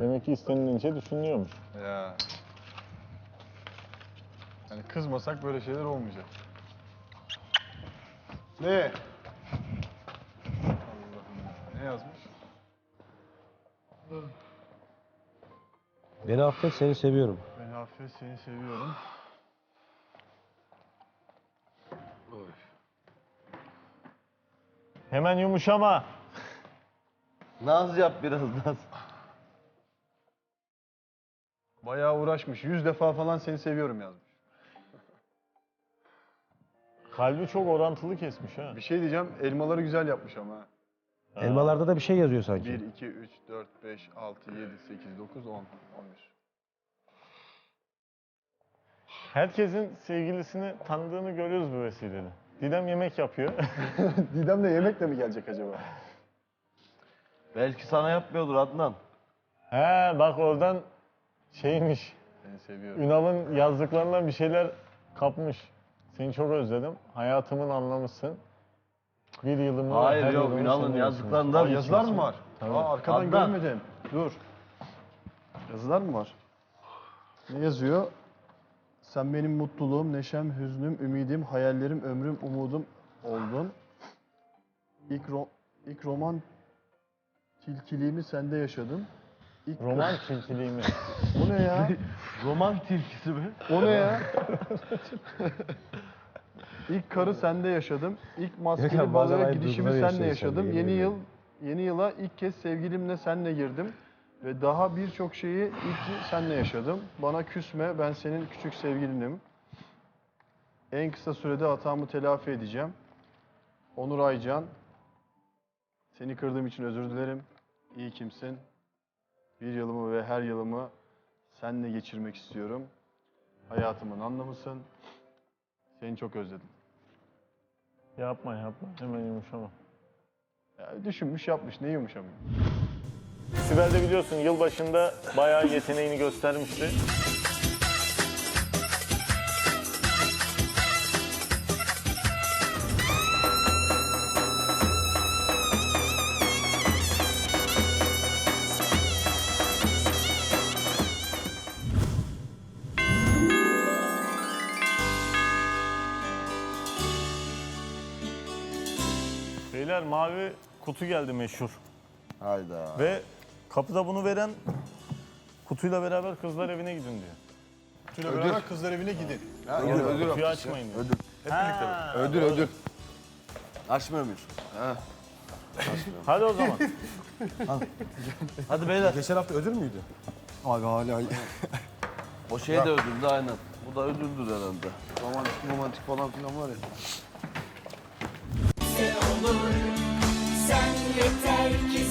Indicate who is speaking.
Speaker 1: Demek ki istenilince düşünülüyormuş.
Speaker 2: Ya. Yani kızmasak böyle şeyler olmayacak. Ne? Allah'ım. Ne yazmış?
Speaker 3: Beni affet, seni seviyorum.
Speaker 2: Ben affet, seni seviyorum. Oy.
Speaker 1: Hemen yumuşama.
Speaker 3: Naz yap biraz Naz.
Speaker 2: Bayağı uğraşmış. 100 defa falan seni seviyorum yazmış.
Speaker 1: Kalbi çok orantılı kesmiş ha.
Speaker 2: Bir şey diyeceğim. Elmaları güzel yapmış ama. Ha.
Speaker 3: Elmalarda da bir şey yazıyor sanki.
Speaker 2: 1, 2, 3, 4, 5, 6, 7, 8, 9, 10, 11.
Speaker 1: Herkesin sevgilisini tanıdığını görüyoruz bu vesileyle. Didem yemek yapıyor.
Speaker 2: Didem de yemekle mi gelecek acaba?
Speaker 3: Belki sana yapmıyordur Adnan.
Speaker 1: He bak oradan şeymiş.
Speaker 2: Seni seviyorum.
Speaker 1: Ünal'ın yazdıklarından bir şeyler kapmış. Seni çok özledim. Hayatımın anlamısın. Bir yılımı...
Speaker 3: Hayır
Speaker 1: her
Speaker 3: yok,
Speaker 1: yılımı
Speaker 3: Ünal'ın
Speaker 1: seninle
Speaker 3: yazdıklarında
Speaker 2: Aa,
Speaker 3: bir
Speaker 2: yazılar mı var?
Speaker 1: Tabii.
Speaker 2: Aa, arkadan
Speaker 3: Adnan.
Speaker 2: görmedim. Dur. Yazılar mı var? Ne yazıyor? Sen benim mutluluğum, neşem, hüznüm, ümidim, hayallerim, ömrüm, umudum oldun. İlk roman tilkiliğimi sende yaşadım.
Speaker 1: Roman tilkiliğimi.
Speaker 2: O ne ya?
Speaker 3: roman tilkisi mi?
Speaker 2: O ne ya? İlk karı sende yaşadım. İlk maskeli
Speaker 3: Bazen
Speaker 2: balığa
Speaker 3: aynı
Speaker 2: gidişimi
Speaker 3: duyguları
Speaker 2: senle
Speaker 3: yaşıyorsun,
Speaker 2: yaşadım.
Speaker 3: yemin ediyorum.
Speaker 2: Yeni yıla ilk kez sevgilimle senle girdim. Ve daha birçok şeyi ilk senle yaşadım. Bana küsme, ben senin küçük sevgilinim. En kısa sürede hatamı telafi edeceğim. Onur Aycan, seni kırdığım için özür dilerim. İyi kimsin. Bir yılımı ve her yılımı seninle geçirmek istiyorum. Hayatımın anlamısın. Seni çok özledim.
Speaker 1: Yapma yapma. Hemen yumuşama.
Speaker 2: Ya düşünmüş yapmış, ne yumuşamıyor.
Speaker 1: Sibel de biliyorsun yılbaşında bayağı yeteneğini göstermişti. Beyler mavi kutu geldi meşhur.
Speaker 3: Hayda.
Speaker 1: Ve kapıda bunu veren kutuyla beraber kızlar evine gidin diyor.
Speaker 2: Kutuyla beraber kızlar evine gidin.
Speaker 1: Kutuyu açmayın diyor.
Speaker 2: Ödül.
Speaker 3: Açmıyor muyuz?
Speaker 1: Hadi o zaman.
Speaker 3: Hadi beyler.
Speaker 4: Geçen hafta ödül müydü?
Speaker 2: Abi hala
Speaker 3: O şey de ödüldü aynen. Bu da ödüldür herhalde.
Speaker 2: romantik falan filan var ya.
Speaker 5: Olur, sen yeter ki